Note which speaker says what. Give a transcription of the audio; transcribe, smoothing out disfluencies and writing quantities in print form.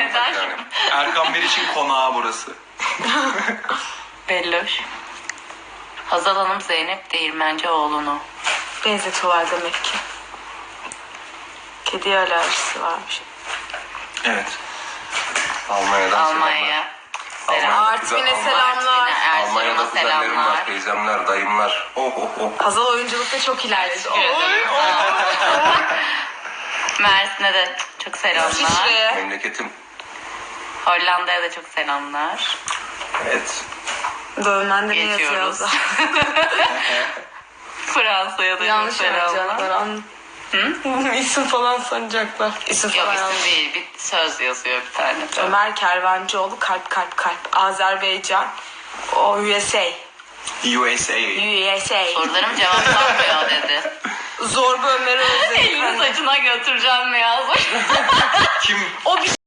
Speaker 1: eder.
Speaker 2: yani.
Speaker 3: Erkan Meriç'in konağı burası.
Speaker 1: Belloş. Hazal Hanım Zeynep Değirmencioğlu'nu.
Speaker 4: Benzetiyorlar demek ki. Kediye alerjisi varmış.
Speaker 3: Evet.
Speaker 2: Almanya'dan
Speaker 1: Almanya.
Speaker 2: selamlar.
Speaker 1: Selam.
Speaker 4: Artvin'e selamlar.
Speaker 2: Almanya'da
Speaker 1: Erzurum'a
Speaker 2: kuzenlerim
Speaker 1: selamlar.
Speaker 2: var, teyzemler, dayımlar. Oh oh oh.
Speaker 4: Hazal oyunculukta çok ilerledi.
Speaker 1: Teşekkür ederim. Mersin'e de çok selamlar.
Speaker 4: İsviçre'ye.
Speaker 2: Memleketim.
Speaker 1: Hollanda'ya da çok selamlar.
Speaker 2: Evet.
Speaker 4: Dövmende ne yazıyor
Speaker 1: Geçiyoruz.
Speaker 4: Hazal?
Speaker 1: Fransa'ya da çok
Speaker 4: Yanlış
Speaker 1: selamlar.
Speaker 4: yapacaklar. İsim falan sanacaklar. İsim
Speaker 1: Yok
Speaker 4: falan
Speaker 1: isim değil, bir söz yazıyor bir tane.
Speaker 4: Ömer Kervancıoğlu kalp kalp kalp. Azerbaycan. O USA.
Speaker 3: USA.
Speaker 4: USA.
Speaker 1: Sorularım cevaplanmıyor dedi.
Speaker 4: Zorba Ömer'i
Speaker 1: Elini
Speaker 4: özledim.
Speaker 1: saçına götüreceğim mi yazmış.
Speaker 3: Kim?
Speaker 4: O bir